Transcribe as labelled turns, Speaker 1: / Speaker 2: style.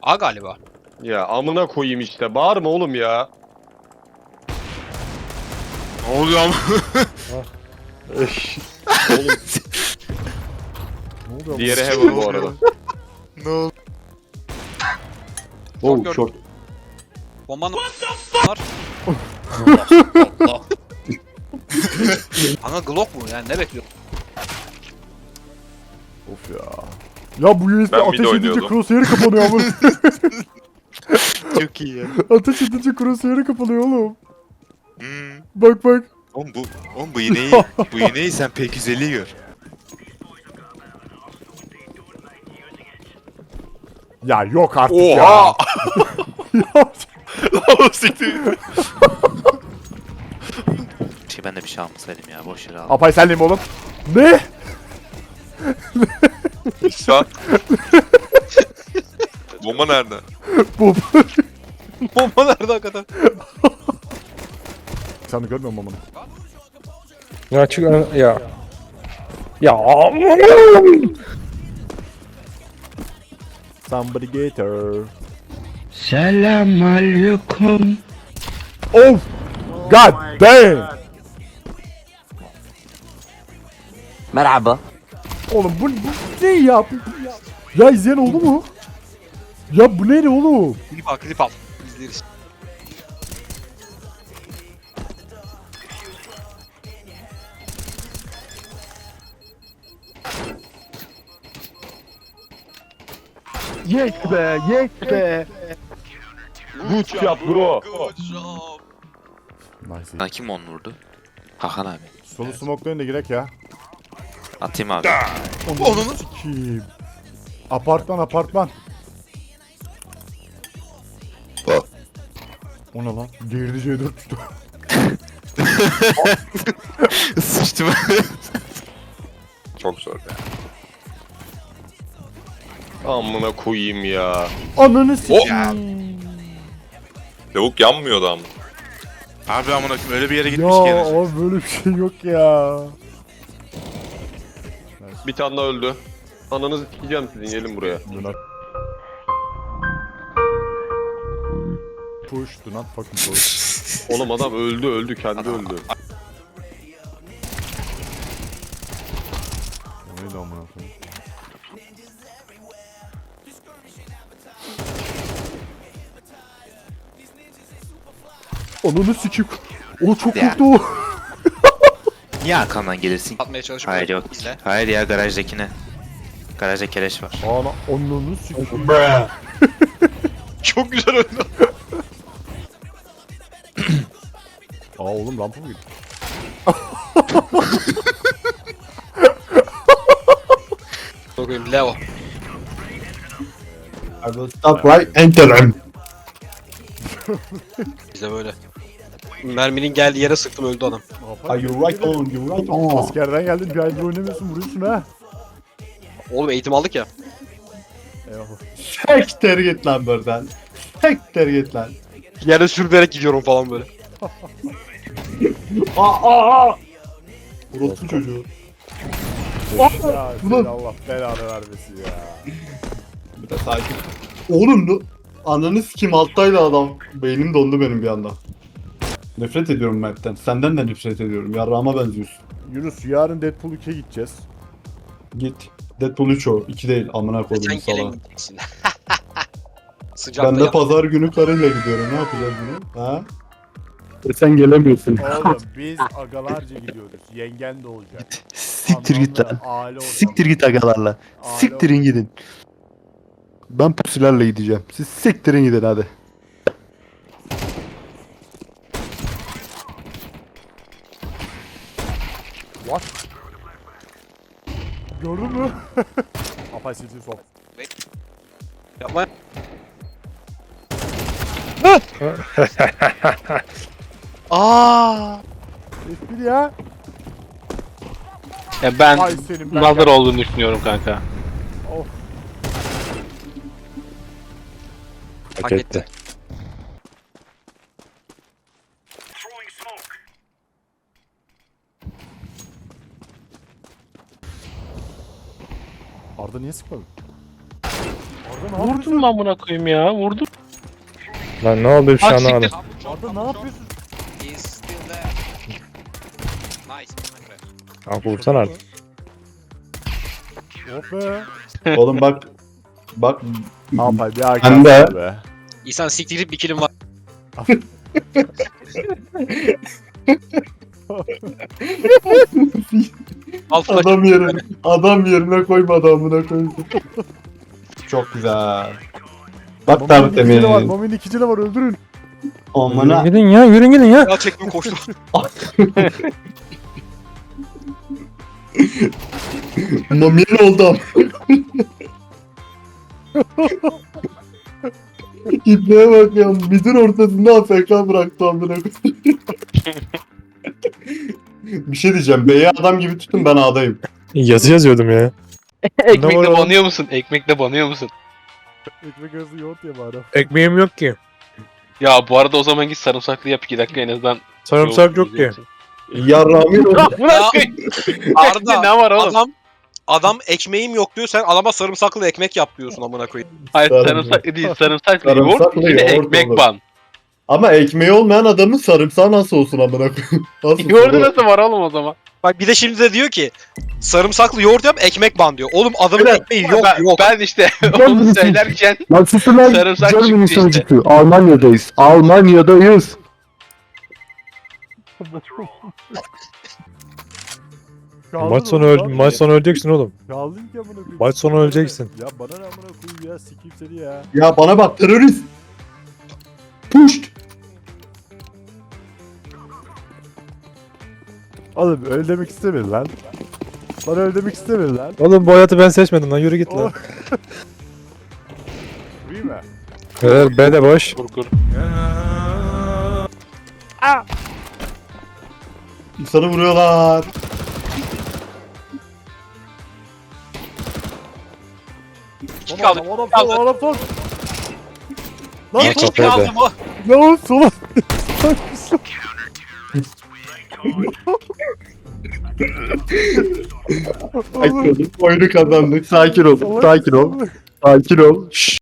Speaker 1: A galiba.
Speaker 2: Ya amına koyayım işte. Bağırma oğlum ya.
Speaker 3: Ne oluyor ama?
Speaker 2: Oğlum
Speaker 4: Ne oluyor?
Speaker 2: diğeri heaven bu arada.
Speaker 3: Ne oldu?
Speaker 1: Short
Speaker 5: Oh
Speaker 1: gördüm.
Speaker 5: short.
Speaker 1: Bombanın var. Allah. Ana Glock mu yani ne bekliyor?
Speaker 4: Of ya. Ya bu USB
Speaker 2: Ben
Speaker 4: ateş
Speaker 2: mid
Speaker 4: edince
Speaker 2: oynuyordum.
Speaker 4: crosshair'ı kapanıyor ama.
Speaker 3: Çok iyi ya.
Speaker 4: Ateş edince crosshair'ı kapanıyor oğlum.
Speaker 3: Hmm.
Speaker 4: Bak bak.
Speaker 3: Oğlum bu iğneyi sen P250'yi gör.
Speaker 4: Ya yok artık
Speaker 3: Oha!
Speaker 4: ya. Ya.
Speaker 6: Ben de bir şey almasaydım ya, boş yere aldım.
Speaker 4: Apay senleyim oğlum. Ne?
Speaker 7: Şak. Bomba nerede?
Speaker 4: Bu.
Speaker 1: Bomba nerede hakikaten?
Speaker 4: Sen de görmüyor musun bunu?
Speaker 5: Ya çık ya. Ya.
Speaker 4: Somebody get her.
Speaker 5: Selamünaleyküm.
Speaker 4: Oh! God damn!
Speaker 8: Merhaba.
Speaker 4: Oğlum bu ne ya? Ya izleyen oldu mu? Ya bu ne oğlum?
Speaker 1: Klip al. İzleriz.
Speaker 5: Yes be, yes be.
Speaker 2: Good job bro.
Speaker 4: Nice.
Speaker 6: Sana kim onu vurdu? Hakan abi.
Speaker 4: Solu smoke'layın da girek ya.
Speaker 6: Atayım abi.
Speaker 4: Onu sikeyim. Apartman. O ne lan? Girdi C4 düştü.
Speaker 3: Sıçtım.
Speaker 7: Çok zor ya.
Speaker 2: Amına koyayım ya.
Speaker 4: Ananı sikeyim.
Speaker 7: Lavuk yanmıyordu ama.
Speaker 3: Abi amına koyayım öyle bir yere
Speaker 4: Ya
Speaker 3: gitmiş gene.
Speaker 4: abi böyle bir şey yok ya.
Speaker 2: Bir tane daha öldü. Ananızı sikeceğim sizin, gelin buraya.
Speaker 4: Push, do not fucking push.
Speaker 2: Oğlum adam öldü kendi öldü.
Speaker 4: O neydi amına koyayım? Ananı sikeyim. O çok
Speaker 6: Ya.
Speaker 4: korktu o.
Speaker 6: Niye arkamdan gelirsin?
Speaker 1: Atmaya çalışıp
Speaker 6: Hayır yok.
Speaker 1: İzle.
Speaker 6: Hayır ya, garajdakine. Garajda keleş var.
Speaker 4: Ananı sikeyim.
Speaker 1: Çok güzel oynadı.
Speaker 4: Aa oğlum rampa mı gitti?
Speaker 1: Bakayım Leo.
Speaker 5: I will stop right enter him.
Speaker 1: İzle böyle. Merminin geldiği yere sıktım öldü adam.
Speaker 5: Are you right on? You right on?
Speaker 4: Askerden geldin bir aydır oynamıyorsun vuruyorsun ha.
Speaker 1: Oğlum eğitim aldık ya.
Speaker 4: Eyvallah.
Speaker 5: Sekter git lan buradan. Sekter git lan.
Speaker 1: Yere sürünerek gidiyorum falan böyle.
Speaker 5: Aa. Orospu çocuğu.
Speaker 4: Ya seni Allah belanı vermesin ya.
Speaker 5: Bir de sakin. Oğlum bu ananı sikim alttaydı adam. Beynim dondu benim bir anda. Nefret ediyorum Mert'ten. Senden de nefret ediyorum. Yarrağıma benziyorsun.
Speaker 4: Yunus yarın Deadpool 2'ye gideceğiz.
Speaker 5: Git. Deadpool 3 o. 2 değil. Amına koydum
Speaker 1: Sen
Speaker 5: sana.
Speaker 1: gelin gideceksin. Sıcakta
Speaker 5: Ben de
Speaker 1: yap.
Speaker 5: pazar günü karıyla gidiyorum. Ne yapacağız bunu? Ha? Sen gelemiyorsun.
Speaker 4: Oğlum biz agalarca gidiyoruz. Yengen de olacak.
Speaker 5: Siktir git lan.
Speaker 4: Aile ortamı.
Speaker 5: Siktir git agalarla.
Speaker 4: Aile
Speaker 5: Siktirin gidin. Ben pusilerle gideceğim. Siz siktirin gidin hadi.
Speaker 4: What? Gördün mü? Apay silsin sok.
Speaker 1: Yapma. Aa!
Speaker 4: Espri ya.
Speaker 9: Ya ben
Speaker 4: Ay senin ben
Speaker 9: nazar olduğunu düşünüyorum kanka.
Speaker 4: Of.
Speaker 1: Hak etti.
Speaker 4: Arda niye sıkmadın? Arda
Speaker 9: Vurdum mu amına koyayım ya? Vurdum.
Speaker 4: Lan ne oldu bir şey
Speaker 9: Ah,
Speaker 4: anlamadım.
Speaker 9: siktir.
Speaker 4: Arda ne yapıyorsun?
Speaker 1: He's still there. Nice.
Speaker 4: Kanka vursana artık. Oh be.
Speaker 5: Oğlum bak. Bak.
Speaker 4: Ne yapayım ya?
Speaker 5: Ben de.
Speaker 4: Be.
Speaker 1: İhsan siktirip bir kilim var. Al flash.
Speaker 5: Adam yerine koymadı amına koydu. Çok güzel. Bak tabi
Speaker 4: ikicili var.
Speaker 5: temiz.
Speaker 4: Momin ikicili var öldürün.
Speaker 5: Amına.
Speaker 4: Gidin ya yürün gidin ya.
Speaker 1: Ya çektim koştum.
Speaker 5: Mamin oldu am. İpneye bak ya. Midin ortasında AFK bıraktı amına koydu. Bir şey diyeceğim. B'ye adam gibi tutun, ben A'dayım.
Speaker 4: Yazı yazıyordum ya. Ne var
Speaker 9: Ekmekle
Speaker 4: oğlum?
Speaker 9: banıyor musun? Ekmekle banıyor musun?
Speaker 4: Ekmek arası yoğurt ye bari.
Speaker 10: Ekmeğim yok ki.
Speaker 9: Ya bu arada o zaman git sarımsaklı yap 2 dakika en azından.
Speaker 10: Sarımsak yok ki.
Speaker 5: Yarrağımın oldu.
Speaker 9: Bırak.
Speaker 1: Arda,
Speaker 9: Ne var oğlum?
Speaker 1: Adam ekmeğim yok diyor, sen adama sarımsaklı ekmek yap diyorsun amına koyayım.
Speaker 9: Hayır
Speaker 5: Sarımsak-
Speaker 9: sarımsaklı değil sarımsaklı yoğurt.
Speaker 5: Sarımsaklı
Speaker 9: Bir de
Speaker 5: yoğurt
Speaker 9: ekmek
Speaker 5: olur.
Speaker 9: ban.
Speaker 5: Ama ekmeği olmayan adamın sarımsağı nasıl olsun amına koyayım? Nasıl
Speaker 9: Yoğurdu nasıl var oğlum o zaman?
Speaker 1: Bak bir de şimdi de diyor ki sarımsaklı yoğurt yap ekmek ban diyor. Oğlum adamın
Speaker 5: Evet.
Speaker 1: ekmeği yok
Speaker 9: ben,
Speaker 1: yok.
Speaker 9: ben işte onu söylerken
Speaker 5: Lan susun lan.
Speaker 9: Sarımsak
Speaker 5: Germany
Speaker 9: çıktı işte.
Speaker 5: sözcüğü. Almanya'dayız. Almanya'dayız.
Speaker 4: Maç sonu
Speaker 10: öleceksin oğlum.
Speaker 4: Kaldın ki amına koyayım.
Speaker 10: Maç sonu öleceksin.
Speaker 4: Ya bana ne amına koyayım ya sikeyim seni ya.
Speaker 5: Ya bana bak terörist. Puşt.
Speaker 4: Oğlum öyle demek istemedi lan. Bana öyle demek istemedi lan.
Speaker 10: Oğlum bu hayatı ben seçmedim lan yürü git lan.
Speaker 4: Vurayım mı?
Speaker 10: Evet B de boş.
Speaker 9: Kurkur.
Speaker 5: İnsanı vuruyorlar.
Speaker 1: İki kaldı.
Speaker 4: Adam sol, adam sol. Lan
Speaker 1: Bir
Speaker 4: sol.
Speaker 1: kill aldım o.
Speaker 4: Lan sola.
Speaker 5: Sakin olun. Oyunu kazandık. Sakin ol. Sakin ol. Sakin ol. Şşş.